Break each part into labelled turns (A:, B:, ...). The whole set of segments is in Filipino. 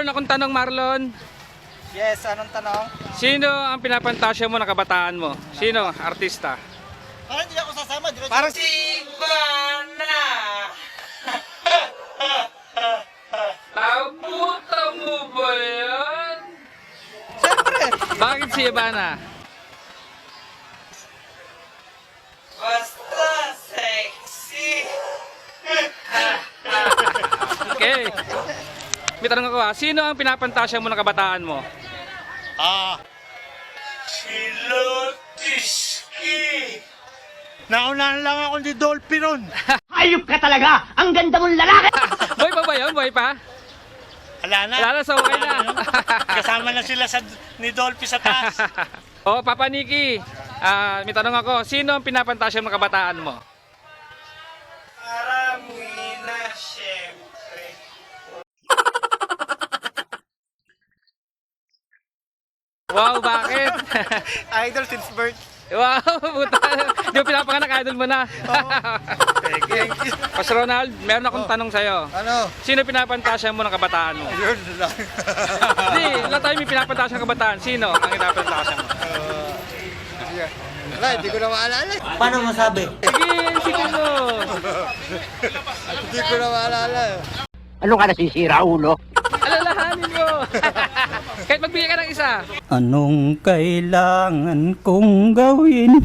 A: Meron akong tanong, Marlon.
B: Yes, anong tanong?
A: Sino ang pinapantasya mo na kabataan mo? Sino? Artista?
B: Parang hindi ako sasama.
A: Parang si Ivana! Nabuta mo ba yan?
B: Siyempre.
A: Bakit si Ivana?
C: Basta sexy.
A: Okay. May tanong ako ha. Sino ang pinapantasya mo na kabataan mo?
C: Si Lotiski.
B: Naunahan lang ako ni Dolphy ron.
D: Hayop ka talaga! Ang ganda mong lalaki!
A: Boy pa ba yun? Boy pa?
B: Wala na.
A: Wala na, so okay na.
B: Kasama na sila ni Dolphy sa taas.
A: Oh, Papa Nicky. May tanong ako. Sino ang pinapantasya mo na kabataan mo?
C: Marami na syempre.
A: Wow, bakit?
B: Idol since birth.
A: Wow, puta. Di mo pinapanganak, idol mo na.
B: Thank you.
A: Pas Ronald, meron akong tanong sa'yo.
B: Ano?
A: Sino pinapantasya mo ng kabataan mo?
B: Yun lang.
A: Hindi, lahat tayo may pinapantasya ng kabataan. Sino ang pinapantasya mo?
B: Wala, hindi ko na maalala.
D: Paano masabi?
A: Sige, sige mo.
B: Hindi ko na maalala.
D: Ano ka nasisira, ulo?
A: Alalahanin mo. Kahit magbigay ka ng isa.
E: Anong kailangan kong gawin?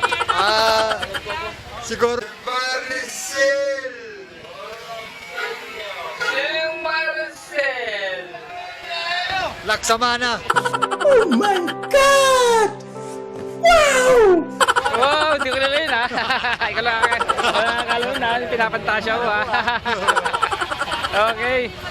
B: Siguro.
A: Yung Marcel.
B: Laksamana.
E: Oh my God! Wow!
A: Wow, hindi ko na rin ha. Ikaw lang. Wala akala mo na, pinapantasya mo ha. Okay.